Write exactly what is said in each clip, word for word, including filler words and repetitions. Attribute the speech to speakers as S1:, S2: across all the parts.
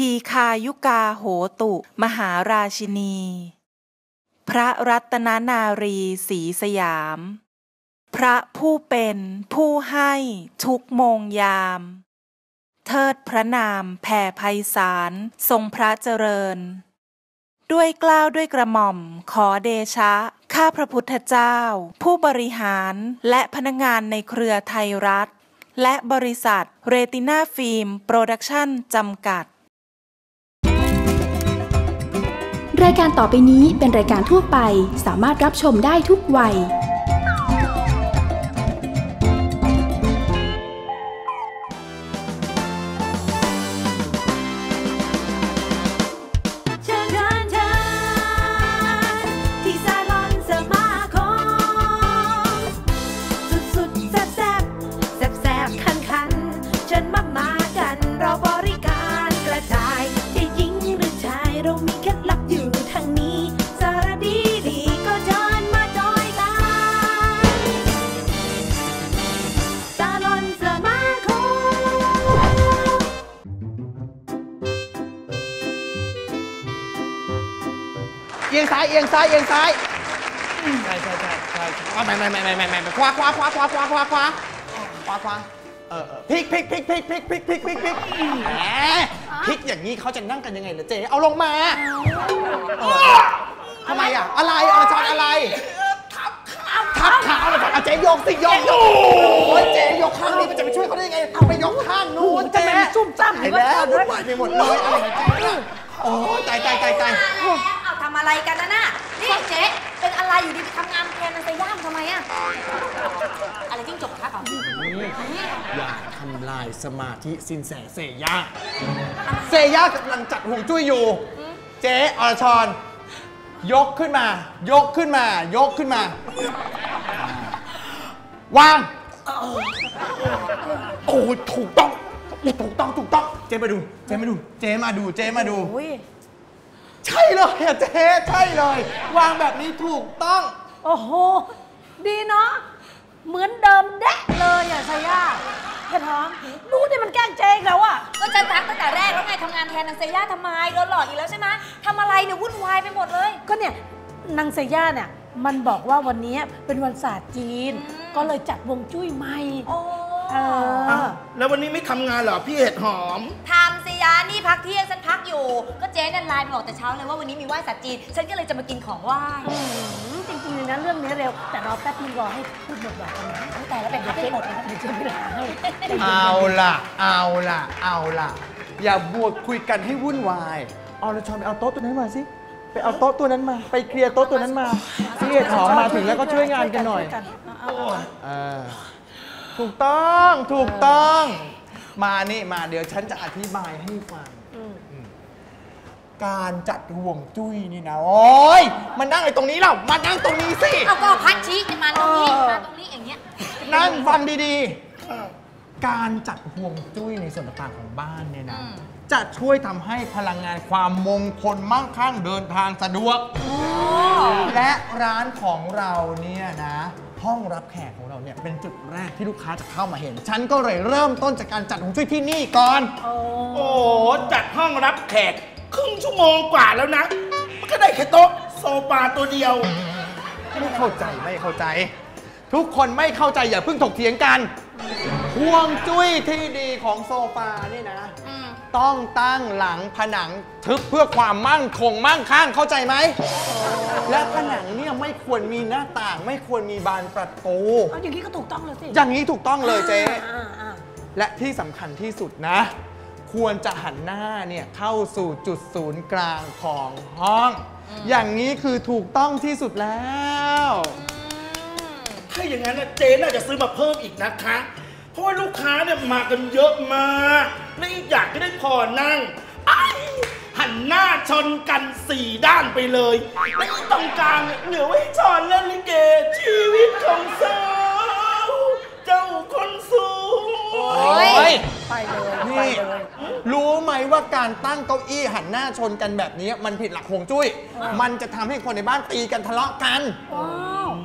S1: ทีคายุกาโหตุมหาราชินีพระรัตนนารีศรีสยามพระผู้เป็นผู้ให้ทุกโมงยามเทิดพระนามแผ่ไพศาลทรงพระเจริญด้วยเกล้าด้วยกระหม่อมขอเดชะข้าพระพุทธเจ้าผู้บริหารและพนักงานในเครือไทยรัฐและบริษัทเรติน่าฟิล์มโปรดักชั่นจำกัด
S2: รายการต่อไปนี้เป็นรายการทั่วไปสามารถรับชมได้ทุกวัย
S3: เอียงซ้ายเอียงซ้ายเอียงซ้ายใช่ใช่ใช่ใช่ไม่ไม่ไม่ไม่ไม่ไม่ขวาขวาขวาขวาขวาขวาขวาขวาขวาเออพลิกพลิกพลิกพลิกพลิกพลิกพลิกพลิกพลิกแหมพลิกอย่างนี้เขาจะนั่งกันยังไงล่ะเจ๊เอาลงมาทำไมอ่ะอะไรอรชรอะไรทับขาทับขาเลยเอาเจ๊ยกสิยกโอ้ยเจ๊ยกข้างนี้มันจะไปช่วยเขาได้ยังไงเอาไปยกข้างนู้นเจ๊ซุ่มจ้ำไปแล้ววุ่นวายไปหมดเลยอะไรเจ๊โอ้ยตายตายตายตาย
S4: เอาทำอะไรกันนะน่ะนี่เจ๊เป็นอะไรอยู่ดีไปทำงานแทนนันเซย่าทำไมอะอะไรจิ้งจกคะเขา
S3: อย่าทำลายสมาธิสินแสเซย่าเซย่ากำลังจัดห่วงจุ้ยอยู่เจ๊อรชรยกขึ้นมายกขึ้นมายกขึ้นมาวางโอ้ถูกต้องถูกต้องถูกต้องเจ๊มาดูเจ๊มาดูเจ๊มาดูเจ๊มาดูใช่เลยอะเจ๊ใช่เลยวางแบบนี้ถูกต้อง
S4: โอ้โหดีเนาะเหมือนเดิมแดะเลยอะซาย่าแค่ท้องรู้ดิมันแกล้งเจ๊แล้วอะก็ฉันทักตั้งแต่แรกแล้วไงทำงานแทนนางเซย่าทำไมโดนหลอกอีกแล้วใช่ไหมทำอะไรเนี่ยวุ่นวายไปหมดเลยก็เนี่ยนางเซย่าเนี่ยมันบอกว่าวันนี้เป็นวันศาสตร์จีนก็เลยจัดวงจุ้ยใหม่
S5: แล้ววันนี้ไม่ทำงานเหรอพี่เห็ดหอม
S4: ทำสิยานี่พักเที่ยงฉันพักอยู่ก็เจ๊นั่นไลน์บอกแต่เช้าเลยว่าวันนี้มีไหว้ศาสตร์จีนฉันก็เลยจะมากินของไหว้จริงๆเลยนะเรื่องนี้เร็วแต่รอแป๊บนึงรอให้พูดหมดก่อนนะแต่แล้วแบบไม่หมดนะเดี๋ยวเจ๊ไม่ได้ให้
S3: เอาล่ะเอาล่ะเอาล่ะอย่าบวกคุยกันให้วุ่นวายเอาละชอนไปเอาโต๊ะตัวนั้นมาสิไปเอาโต๊ะตัวนั้นมาไปเคลียร์โต๊ะตัวนั้นมาพี่เห็ดหอมมาถึงแล้วก็ช่วยงานกันหน่อยถูกต้องถูกต้องมานี่มาเดี๋ยวฉันจะอธิบายให้ฟังการจัดห่วงจุ้ยนี่นะโอ้ยมันนั่งไอ้ตรงนี้เรามานั่งตรงนี้สิ
S4: เอาก็พัดชี้จะมาตรงนี้มาตรงนี้อย่างเงี้ย
S3: นั่งฟังดีๆการจัดห่วงจุ้ยในส่วนต่างๆของบ้านเนี่ยนะจะช่วยทำให้พลังงานความมงคลมั่งคั่งเดินทางสะดวกและร้านของเราเนี่ยนะห้องรับแขกของเราเนี่ยเป็นจุดแรกที่ลูกค้าจะเข้ามาเห็นฉันก็เลยเริ่มต้นจากการจัดห่วงจุ้ยที่นี่ก่อน
S5: โอ้โหจัดห้องรับแขกครึ่งชั่วโมงกว่าแล้วนะมันก็ได้แค่โต๊ะโซฟาตัวเดียว
S3: ไม่เข้าใจไม่เข้าใจทุกคนไม่เข้าใจอย่าเพิ่งถกเถียงกันห่วงจุ้ยที่ดีของโซฟานี่นะต้องตั้งหลังผนังทึบเพื่อความมั่นคงมั่งคั่งเข้าใจไหมและผนังเนี่ยไม่ควรมีหน้าต่างไม่ควรมีบานประตู
S4: อย่างนี้ก็ถูกต้องเลยสิ
S3: อย่างนี้ถูกต้องเลยเจ๊และที่สำคัญที่สุดนะควรจะหันหน้าเนี่ยเข้าสู่จุดศูนย์กลางของห้องอย่างนี้คือถูกต้องที่สุดแล้ว
S5: ถ้าอย่างนั้นเจ๊น่าจะซื้อมาเพิ่มอีกนะคะเพราะว่าลูกค้าเนี่ยมากันเยอะมากและอีกอย่างก็ได้พอนั่งหันหน้าชนกันสี่ด้านไปเลยและอีกตรงกลางเหลือไว้ชอนเล่นลิเกชีวิตของสาวเจ้าคนสูง
S3: โอ้ยไปเลยนี่รู้ไหมว่าการตั้งเก้าอี้หันหน้าชนกันแบบนี้มันผิดหลักฮวงจุ้ยมันจะทำให้คนในบ้านตีกันทะเลาะกัน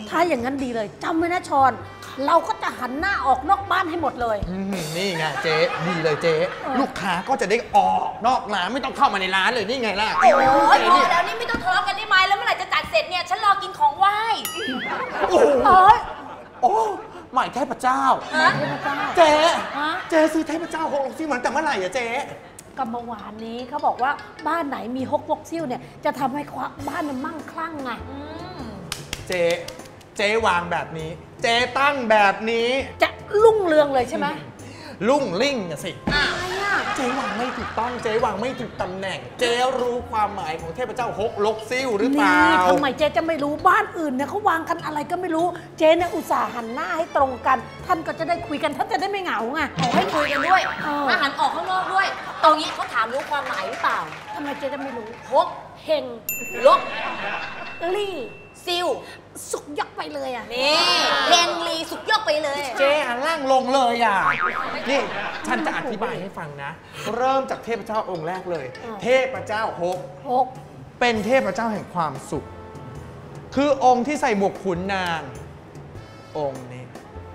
S4: ถ้าอย่างนั้นดีเลยจำไว้นะชอนเราก็จะหันหน้าออกนอกบ้านให้หมดเลย
S3: นี่ไงเจ๊ดีเลยเจ๊ลูกค้าก็จะได้ออกนอกร้านไม่ต้องเข้ามาในร้านเลยนี่ไงล่ะ
S6: โอ้ยพอแล้วนี่ไม่ต้องทะเลาะกันได้ไหมแล้วเมื่อไหร่จะจัดเสร็จเนี่ยฉันรอกินของไหว้
S3: โอ้โหโอ้หมายเทพเจ้าเจ๊เจ๊ซื้อเทพเจ้าหกซิ่วมันแต่เมื่อไหร่อะเจ๊
S4: ก็เมื่อวานนี้เขาบอกว่าบ้านไหนมีฮกวกซิ่วเนี่ยจะทำให้บ้านมันมั่งคั่งไง
S3: เจ๊เจ๊วางแบบนี้เจ๊ตั้งแบบนี้
S4: จะรุ่งเรืองเลยใช่ไหม
S3: รุ่งลิ่งอะสิเจ๊วางไม่ถูกต้องเจ๊วางไม่ถูกตำแหน่งเจ๊รู้ความหมายของเทพเจ้าฮกลกซิ่วหรือเปล่า
S4: ทำไมเจ๊จะไม่รู้บ้านอื่นเนี่ยเขาวางกันอะไรก็ไม่รู้เจ๊เนี่ยอุตส่าห์หันหน้าให้ตรงกันท่านก็จะได้คุยกันท่านจะได้ไม่เหงาไง
S6: ขอให้คุยกันด้วยมาหันออกข้างนอกด้วยตรงนี้เขาถามรู้ความหมายหรือเปล่า
S4: ทำไมเจ๊จะไม่รู้
S6: ฮก
S4: เฮง
S6: ลก
S4: ลี่
S6: ซิว
S4: สุกยกไปเลยอ่ะ
S6: นี่เฮงลีสุกยกไปเลย
S3: เจ๊หันล่างลงเลยอ่ะนี่ฉันจะอธิบายให้ฟังนะเริ่มจากเทพเจ้าองค์แรกเลยเทพเจ้าฮก
S4: ฮก
S3: เป็นเทพเจ้าแห่งความสุขคือองค์ที่ใส่หมวกขุนนางองค์นี้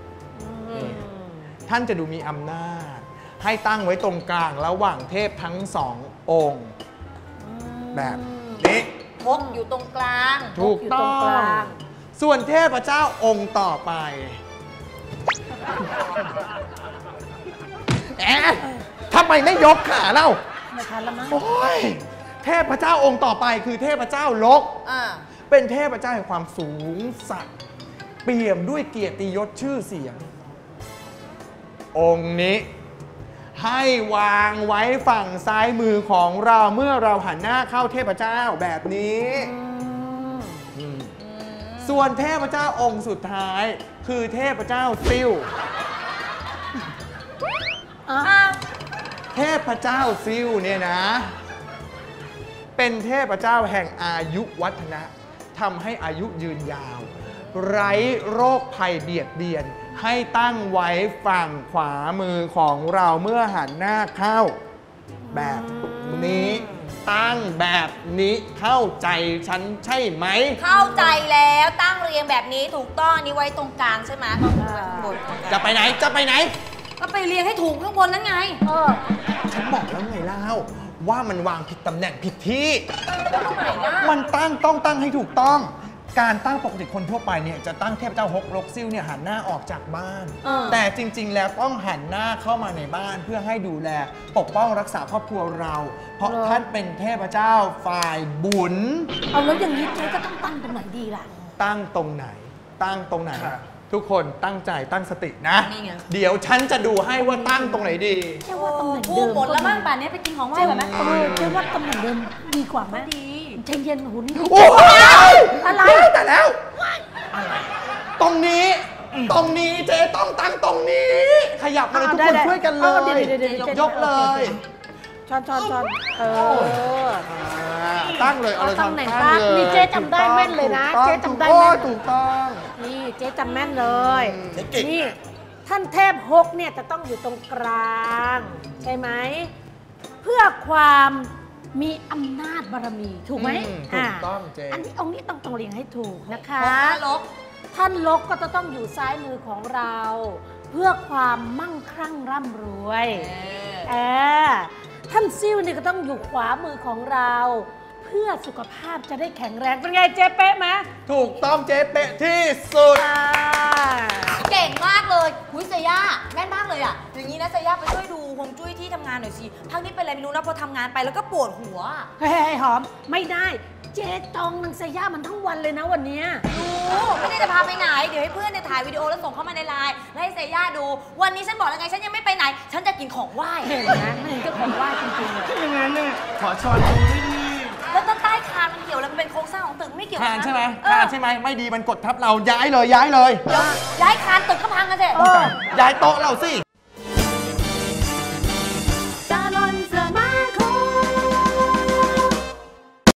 S3: ท่านจะดูมีอำนาจให้ตั้งไว้ตรงกลางระหว่างเทพทั้งสององค์แบบนี้
S6: ฮกอยู่ตรงกลาง
S3: ถูกต้องส่วนเทพเจ้าองค์ต่อไปแอะทำไมไม่ยกขาเล่า
S4: ไม่ทันแล้วมั้ง
S3: โอ้ยเทพเจ้าองค์ต่อไปคือเทพเจ้าลกเป็นเทพเจ้าแห่งความสูงสักดิ์เปี่ยมด้วยเกียรติยศชื่อเสียงองค์นี้ให้วางไว้ฝั่งซ้ายมือของเราเมื่อเราหันหน้าเข้าเทพเจ้าแบบนี้ส่วนเทพเจ้าองค์สุดท้ายคือเทพเจ้าซิ่วเทพเจ้าซิ่วเนี่ยนะเป็นเทพเจ้าแห่งอายุวัฒนะทำให้อายุยืนยาวไร้โรคภัยเบียดเบียนให้ตั้งไว้ฝั่งขวามือของเราเมื่อหันหน้าเข้าแบบนี้ตั้งแบบนี้เข้าใจฉันใช่ไหม
S6: เข้าใจแล้วตั้งเรียงแบบนี้ถูกต้องอันนี้ไว้ตรงกลางใช่ไหม
S3: จะไปไหนจะไปไหน
S6: ก็ไปเรียงให้ถูกข้างบนนั่นไง
S3: เออฉันบอกแล้วไงเล่าว่ามันวางผิดตำแหน่งผิดที่มันตั้งต้องตั้งให้ถูกต้องการตั้งปกติคนทั่วไปเนี่ยจะตั้งเทพเจ้าฮกลกซิ่วเนี่ยหันหน้าออกจากบ้านแต่จริงๆแล้วต้องหันหน้าเข้ามาในบ้านเพื่อให้ดูแลปกป้องรักษาครอบครัวเราเพราะท่านเป็นเทพเจ้าฝ่ายบุญ
S4: เอาแล้วอย่างนี้เจ๊จะต้องตั้งตรงไหนดีล่ะ
S3: ตั้งตรงไหนตั้งตรงไหนทุกคนตั้งใจตั้งสตินะเดี๋ยวฉันจะดูให้ว่าตั้งตรงไหนดี
S4: แค่ว่าตำแหน่งเดิม
S6: หมดแล้วบ้างป่านนี้ไปกินของไหว้ก่อนไหม
S4: เออแค่ว่าตำแหน่งเดิมดีกว่าไหมดีใจเย็นหุ่น
S3: โอ้ย
S4: อะไร
S3: แต่แล้วตรงนี้ตรงนี้เจ๊ต้องตั้งตรงนี้ขยับมาเลยทุกคนช่วยกันเลยยกเลย
S4: ช้อนช้อนช้อนเออ
S3: ตั้งเลยเอาเลย
S4: ตำแหน่งตั้งนี่เจ๊จำได้แม่นเลยนะเจ๊จำได้แม่น
S3: ถูกต้อง
S4: นี่เจ๊จำแม่นเลยนี่ท่านเทพฮกเนี่ยจะต้องอยู่ตรงกลางใช่ไหมเพื่อความมีอำนาจบารมีถูกไหม
S3: ถูกต้องเจ๊
S4: อันนี้องค์นี้ต้องต้องเรียงให้ถูกนะคะท่านลกก็จะต้องอยู่ซ้ายมือของเราเพื่อความมั่งคั่งร่ำรวยเออท่านซิ่วนี่ก็ต้องอยู่ขวามือของเราเพื่อสุขภาพจะได้แข็งแรงเป็นไงเจ๊เป๊ะไหม
S3: ถูกต้องเจ๊เป๊ะที่สุด
S6: เก่งมากเลยหุยเซย่าแม่นมากเลยอ่ะอย่างนี้นะเซย่าไปช่วยดูฮวงจุ้ยที่ทำงานหน่อยสิพักนี้เป็นอะไรไม่รู้นะพอทำงานไปแล้วก็ปวดหัว
S4: เฮ้ยหอมไม่ได้เจ๊จองนางเซย่ามันทั้งวันเลยนะวันนี้
S6: ดูไม่ได้จะพาไปไหนเดี๋ยวให้เพื่อนเนี่ยถ่ายวิดีโอแล้วส่งเข้ามาในไลน์แล้วให้เซย่าดูวันนี้ฉันบอกแล้วไงฉันยังไม่ไปไหนฉันจะกินของไหว้
S4: เห็นนะไม่เห็นก็ของไหว้จริงๆเลย
S3: อย่างนั้นเนี่ยขอช้อนดูด้วยดิ
S6: แล้วใต้คานมันเกี่ยวแล้วมันเป็นโครงสร้างของตึกไม่เกี่ยว
S3: คานใช่ไหมคานใช่ไหมไม่ดีมันกดทับเราย้ายเลยย้ายเลย
S6: ย้ายคานตึกก็พังกันสิ
S3: ย้ายโต๊ะเราสิ